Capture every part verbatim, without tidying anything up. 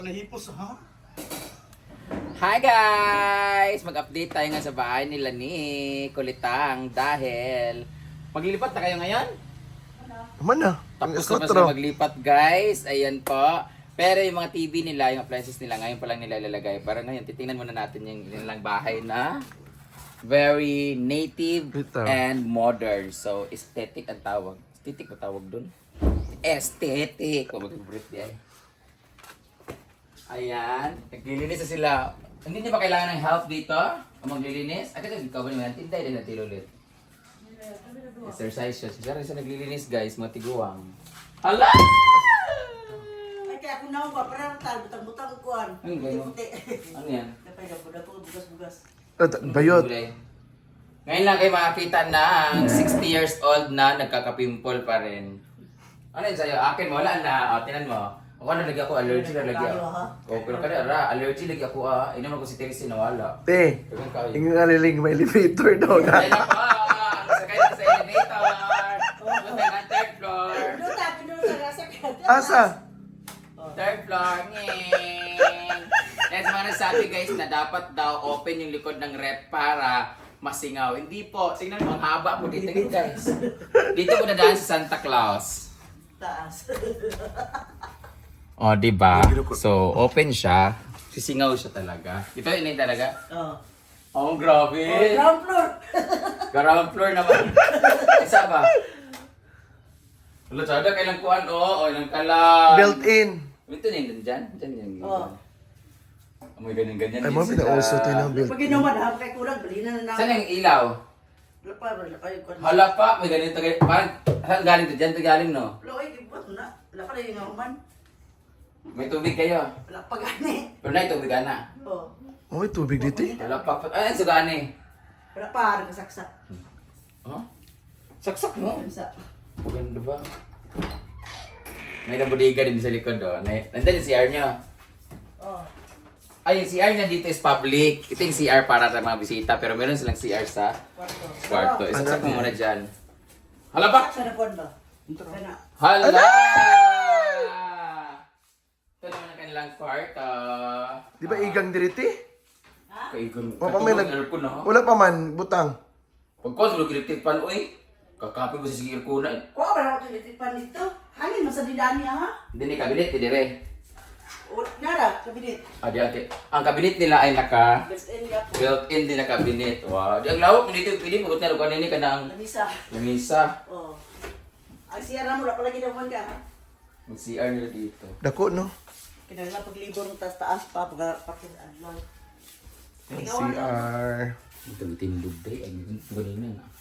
Nahipos ha? Hi guys! Mag-update tayo nga sa bahay nila ni Kulitang dahil maglilipat na kayo ngayon? Naman na. Tapos na pa sila maglipat guys. Ayan po. Pero yung mga T V nila, yung appliances nila, ngayon pa lang nila ilalagay. Para ngayon, titingnan muna natin yung nilang bahay na very native Ito. and modern. So, aesthetic ang tawag. Aesthetic ang tawag dun? Aesthetic! O, mag-breathe di ay. Ayan. Naglilinis na sila. Hindi niyo ba kailangan ng help dito? O maglilinis? At ito, ikaw ba naman? Tinday din natin ulit. Exercise siya. Siya rin siya naglilinis guys, mga tiguang. Hala! Ay, kaya ako naman pa, parang tal, butang-butang kuhan. Ano gano'n? Puti. Ano yan? Napay na po na po, bugas-bugas. Bayot. Ngayon lang kayo makakita ng sixty years old na nagkakapimple pa rin. Ano yun sa'yo? Akin mo, wala na. O, tinan mo. Ako na lagi ako, allergy na lagi ako. O, pero kada ra, allergy lagi ako ah. Inom ako si Teresa na wala. Te, Pero kayo. yung ngaliling may elevator daw na. Ayun ako, sakay na sa elevator. Punta ng third floor. Doon tayo, doon sa rasa ka. Asa? Third floor, ngeng. Kaya sa mga nagsabi guys na dapat daw open yung likod ng rep para masingaw. Hindi po. Tingnan mo, ang haba po dito guys. Dito po nadaan si Santa Claus. Taas. O, oh, diba? So, open siya. Sisingaw siya talaga. Ito yun talaga. Oh. Oh, grabe. Oh, ground floor. Ground floor naman. Isa ba? Wala, sada kailang kuhan. Oo, oh, ilang kalang. Built-in. Ito na yun, dyan. Dyan yan. Oh. Amoy ganyan-ganyan. Ay, din mo sila. pinauso tayo ng Pag built-in. inuman, ha, kay kurang, bali na na Saan namin. yung ilaw? Wala pa, wala pa yung kuhan. Hala pa, may ganito. ganito. Parang, saan galing to? Dyan to galing, no? Wala, ay, ibot na. Wala pa na yung naman. May tubig kayo. Wala pa gani. Pero na, tubig ka na. Oh. Oh, may tubig dito eh. Wala pa. Ay, ang sugani. Wala pa, nakasaksak. Huh? Saksak mo. Sa Maganda ba? May nabodiga din sa likod doon. Nandiyan yung C R niya. Oh. Ay, yung C R niya dito is public. Ito yung C R para sa mga bisita. Pero meron silang C R sa Kwarto. kwarto. Oh. Isaksak mo muna dyan. Hala ba? Sa nakuhan ba? Sana. Hala! Ito naman ang kanilang kwarto. Di ba igang diriti? Kaigon. Wala pa may nag... aircon na. Wala pa man, butang. Pagkos, wala kiliktik pan, uy. Kakapi mo sa sige aircon na. Kuha ba na ako tinitipan dito? Hangin mo sa didani, ha? Hindi ni kabinet, hindi re. O, nara, kabinet. Ah, di ate. Ang kabinet nila ay naka Best end ka po. built-in din na kabinet. Wow. Di ang lawak mo dito, pili mo. Kung ano kanini ka ng Lamisa. lamisa. Oh. Ang siyara mo, wala pala ginawan ka, ha? Mag-C R nila dito. Dako, no? Kinagala paglibor ng taas-taas pa, pag pakilaan lang. C R. Ito ang tindog day. Ay, ganina na.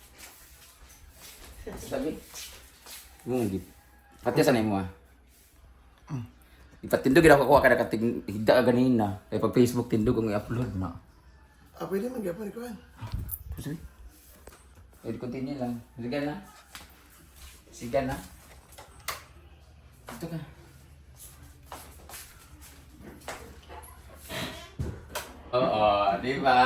Sabi? Mung git. Pati sa mo ah. Ipatindog gid ako kuha kada katig higda ka ganina. Kay pag Facebook tindog ang i-upload na. Ah, pwede man gyapon ko yan. Sige. Pwede continue lang. Sige na. Sige na. Ito ka. Oo, di ba?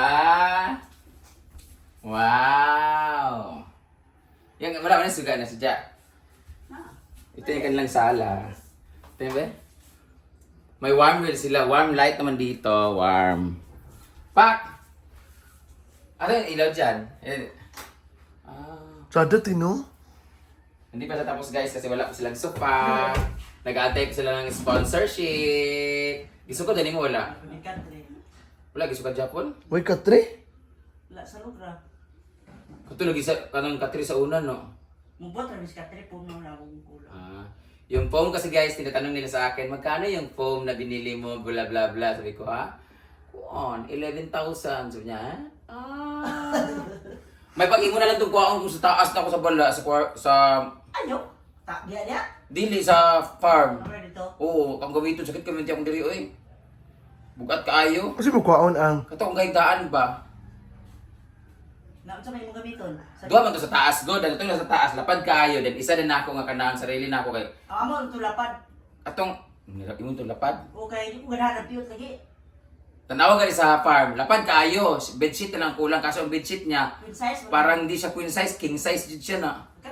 Wow! Yan, marami na suga na sadya. Ah. Ito yung kanilang sala. Ito yung ba? May warm wheel sila. Warm light naman dito. Warm. Pak! Ano yung ilaw dyan? Eh, Ah, Sada, tino? hindi pa tapos guys kasi wala pa silang sofa. Nag-aantay pa sila ng sponsorship. Gusto ko dali mo wala. May country. Wala, gusto ka Japon? Uy, katre? Wala sa lugra. Kato lagi sa kanang katri sa una no. Mubot na mis country, puno na akong kulang. Ah, yung foam kasi guys, tinatanong nila sa akin, magkano yung foam na binili mo, bla bla bla. Sabi ko, ha? Kuon, eleven thousand. Sabi niya, ha? Ah. May pag-imo na lang itong kuwaon kung sa taas na ako sa bala, sa, kwa- sa Ano? Ta, diya diya? dili sa farm. Ano dito? Oo, ang gawin ito, sakit kami akong diri, oy. Bugat kaayo. Kasi mo kwaon ang... Kato kung kahigaan ba? Na, sa may mga gamiton. Sa Duha man to sa taas, go. Dan ito na sa taas, lapad kaayo. Then isa din ako nga kanang sarili na ako kay Ang amo, ito lapad. atong nilap imong to lapad. O kaya hindi ko ganahan ng piyot lagi. Tanawa gali sa farm, lapad kaayo. Bedsheet na lang kulang kaso ang bedsheet niya Queen size. wala. parang hindi siya queen size, king size jud siya na. Kato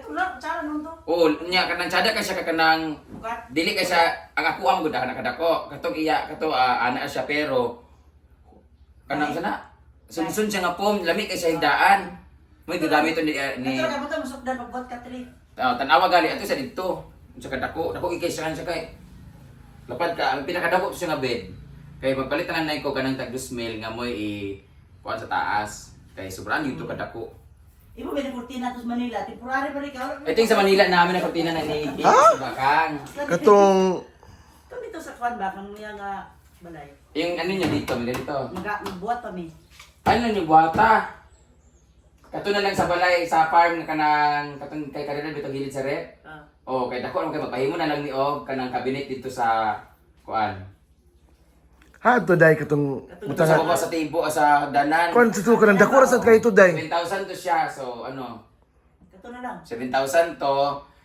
Wala, tsara nung to. Oo, nya kanang tsada ka siya ka kanang Bukat. dili ka siya ang ako am gud nakadako. Katong iya kato ah, ana siya pero kanang sana sunsun siya nga pom lami kay siya higdaan. May gagamit to ni, ah, ni Ito, kabutan, masukdan, magbot ka, Tri. ah, tanawa gali ato sa dito. Sa kadako, dako ikay siya siya kay. Lapad ka, ang pinakadako to siya nga bed. Kay magpalit na nay ko kanang tag mil nga moy i kuan sa taas. Kay sobrang dito kadako. Ibo may kurtina to sa Manila, temporary pa rin ka. Ito yung sa Manila namin na kortina na ni Ha? sa Bakang. Katong Ito dito sa kwan ba, kang niya nga balay. Yung ano niya dito, mga dito. Maga, magbuhat pa mi. Ano niyo buhata? Kato na lang sa balay, sa farm na kanang katong kay Karina dito gilid sa rep. Ah. Oh, kay dako lang kay magpahimo na lang ni Og kanang cabinet dito sa kuan. ha to day katong Sa butangan. baba sa timbo ah, sa danan. Kon sa to kanang dako ra sad kay to day. seven thousand to siya. So ano, Ito na lang. seven thousand to.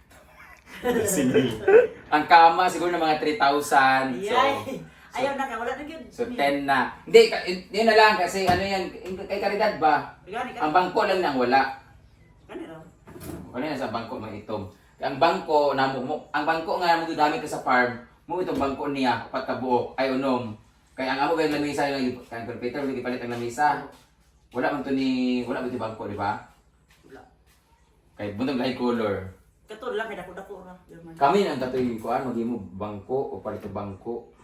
Ang kama siguro na mga three thousand. So, Ayay. Ayaw na ka, wala na yun. so ten na. Hindi, ka- yun na lang kasi ano yan, kay Caridad ba? Gani ka. Ang bangko lang nang wala. Gani raw. Ano yan sa bangko mga itom. Ang bangko na mo, mo- ang bangko nga mo gigamit ka sa farm, mo itong bangko niya pagkabuok ay unom. Kaya ang amo kay lamisa yung kan computer hindi palit ang lamisa. Wala man to ni wala man to bangko, di ba? Wala. Kay buntong lahi color. Kato lang, kay dako-dako ra. German. Kami nang tatoy kuan magimo bangko o palit ang bangko.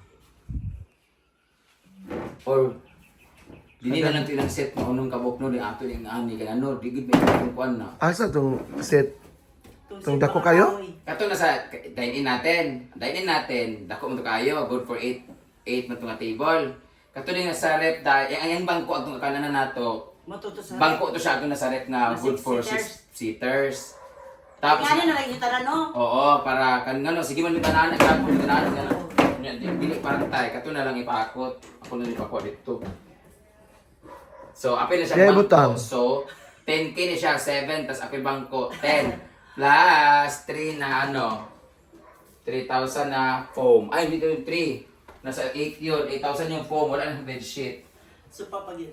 Or dili na lang tinang set mo unong kabok no di ato yung ani kay ano di gid may itong kuan na. Asa tong set? Itong Itong si dako mga kayo? kahoy. Kato na sa dine-in natin. Dine-in natin, dako mo to kayo, good for eight eight man to nga table. Kato din nga sa rep da, yang yang bangko atong kananan nato. Matuto sa. Bangko to siya ato na sa rep nga Mga good six for seaters. six seaters. Tapos Gani na lang kita na no. oo, para kan ngano sige man mi tanan na kan mi tanan nga. Nya dili parang tay, kato na lang ipakot. Ako na ipakot dito. So, apil na siya Kaya bangko. butang. So, ten K na siya, seven, tas apil bangko, ten. Plus, three na ano, three thousand na foam. Ay, dito yung three. Nasa eight yun, eight thousand yung foam, wala nang bedsheet. So papagin.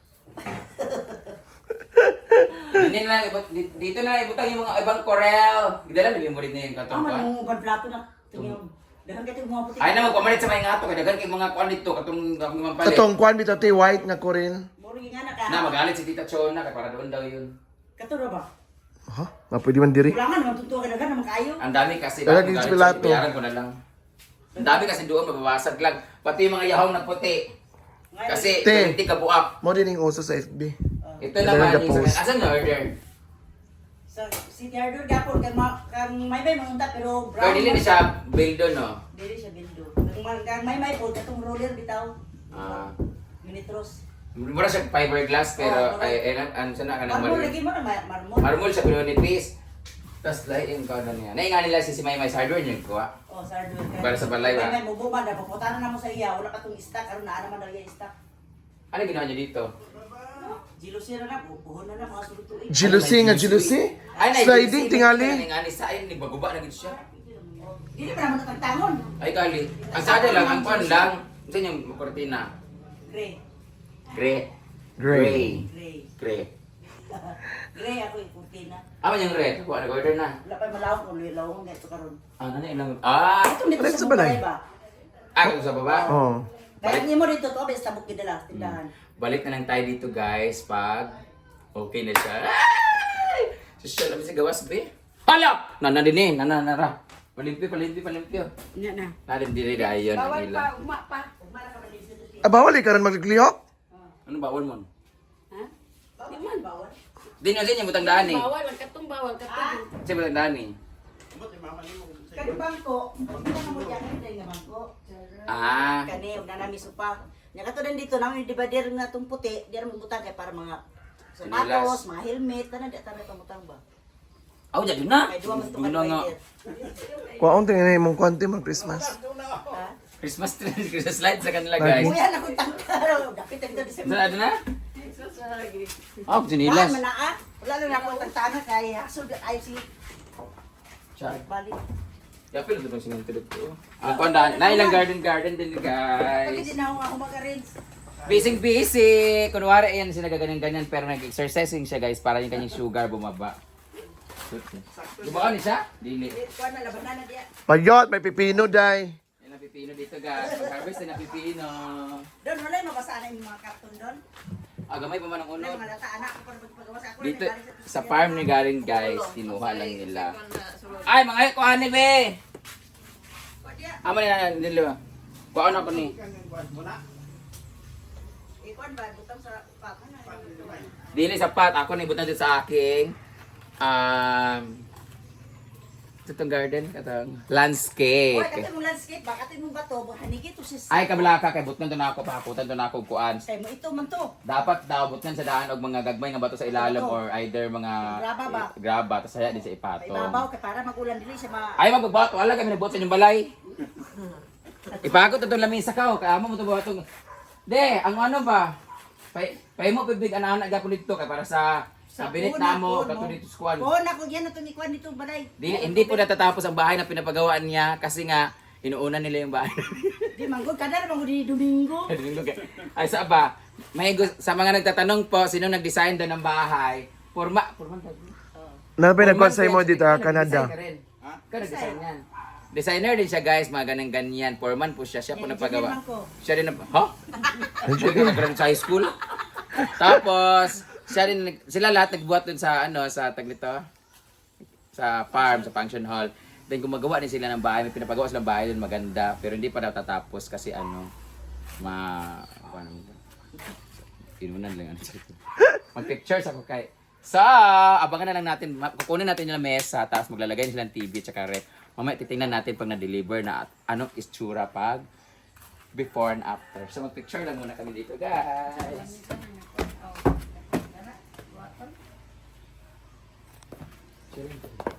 Dito na lang, ibut- di- dito na lang ibutang yung mga ibang corel. Gidala na yung murid na yung Ah, katong kuan. man mo plato na. Tingnan. Dahan ka mga puti. Ay na magpamalit sa mga ngato, kaya dagan kay mga kuan dito, katong katong mga palit. Katong kwan bitaw ti white nga korin. Muro nga na ka. Na, magalit si Tita Chona, kaya para doon daw yun. Kato ra ba? Ha? Mapwede man diri. Kulangan naman tutuwa ka dagan naman kayo. Ang dami kasi, Dagan bakit din si galit Pilato. siya, bayaran ko na lang. Ang dami kasi doon, mababasag lang. Pati yung mga yahong na puti. Ngayon, Kasi, Te. twenty ka buak. Mo din yung uso sa F B. Ito Ito naman lang yung na-post. sa asan na order? sa City Hardware gapon kang ma- kang may may mangunta pero brown. Pero dili na siya build doon, no? Dili siya bildo. Kang ma- kang may may po katong roller bitaw. Ah. Minitros. Mura siya fiberglass, pero Oo, ay, ay, ano siya na ka ng Marmol marmol. lagi mo na ma- marmol. Marmol siya, pero nipis. Tapos lahat yung kanan niya. Nainga nila si si May May sa hardware niya, kuha. Oh, sa hardware ka. Para sa balay ba? May may mubuman na puputanan na mo sa iya wala katong stock karon na naman daw iya stock. Ano ginawa niya dito? Jealousy na na buhon na na mga sulutuig. Jealousy nga jealousy. Ay, na, Sliding jealousy. tingali. Nga sa ayon, nagbaguba na gid siya. Dili pa naman tatagtangon. Ay, kali. Ang sada lang, ang pan lang. Saan yung kortina? Gray. Gray. Gray. Gray. Gray. Gray ako yung kurtina. Ah, man yung red. Kuha, nag-order na. Wala pa malawak ko lawong nga ito karon. Ah, ano ilang... Ah! Ito nito Balik sa sa balay. balay ba? Ah, kung sa baba. Oh. Kaya niyo mo dito to bes tabok gidala tindahan. Balik na lang tayo dito, guys, pag okay na siya. Ay! Siya lang sa gawas, be. Hala! Nana din eh. Nana, nara. Palimpyo, palimpyo, palimpyo. Nya na. Natin dili na yun. Bawal ang pa, ilan. uma pa. Uma na ka man dito. Ah, bawal eh, karon maglihok. Ano bawal mo? Ha? Di man bawal. Di nyo siya butang daan eh. Bawal, ang katong bawal, katong. Siya butang daan eh. Kani bangko, kita na mo diyan kani nga bangko. Ah. Kani og nanami supa. Nya kato din dito namin di ba dir nga tong puti, dir mo butang kay para mga sapatos, mga helmet, tanan di tanan pamutang ba. Aw, jadi na. Kay duwa man to Una nga. Kuwaon tingnan imong konti mag Christmas. Ha? Christmas tree, Christmas lights sa kanila, guys. Kuya na kung tangkaro, dapit dito di Saan na na? Oh, Ah, sinilas. manaa. Wala na ako tangtana kay hasod ay si Siya. balik. Yapil ito bang sinintulog ko. Ang konda, na ilang garden garden din, Pagka guys. din ako nga umaga-rinse. Busy busy. Kunwari, ayan, siya nagaganyan-ganyan, pero nag-exercising siya, guys, para yung kanyang sugar bumaba. Shoot. Gumawa ni siya? Dili. Kuan na laban na diya. Payot, may pipino, day. Yan ang pipino dito guys. Pag-harvest na pipino. Doon wala yung mabasa na yung mga karton doon. Ah, gamay pa man ang Wala unod. yung mga lata anak ko para magpagawa sa ako. Dito sa farm ni galing guys, kinuha lang nila. Ay, mga kuha ni be. Amo na nila. Kuha na ko ni. Ikuan ba butang sa upat na. Dili sapat ako ni butang dito sa aking um itong garden katong Oy, landscape. katong mong landscape, ba katong mong bato, hanigi to sis. Ay kabala ka kay butang to na ako pahakutan to na ako kuan. Kay mo ito man to. Dapat daw butang sa daan og mga gagmay nga bato sa ilalim Bato. or either mga Graba ba? eh, graba tas saya din sa May ipato. babaw kay para magulan dili sa mga Ay magbabato wala kami nabot sa inyong balay. Ipagot itong lamisa ka kay amo mo to batong. De, ang ano ba? Pay pay mo pibig ana-ana gapon dito kay para sa sa binit na mo kato dito sa kuan. Oo, nako yan atong ikuan dito balay. Di, hindi po natatapos ang bahay na pinapagawaan niya kasi nga inuuna nila yung bahay. Di manggod kada na manggod di Domingo. Ay sa ba? May gus- sa mga nagtatanong po sino nag-design doon ng bahay? Forma, forma Na pinagkuhan sa imo dito, ah, Canada. Ha? Ka nag-design yan. Designer din siya guys, mga ganang ganyan. Foreman po siya, siya po Eh, nagpagawa. engineer man ko. Siya din na, ha? Siya din nag sa high school. Tapos, siya din, nag- sila lahat nagbuhat dun sa, ano, sa tag nito, sa farm, sa function hall. Then gumagawa din sila ng bahay, may pinapagawa silang bahay dun maganda, pero hindi pa daw tatapos kasi ano, ma, ano, inunan lang ano dito. Mag-pictures ako kay, so, abangan na lang natin, ma- kukunin natin yung mesa, tapos maglalagay silang T V at saka rep. Mamaya titingnan natin pag na-deliver na at anong itsura pag before and after. So mag-picture lang muna kami dito guys. Sure.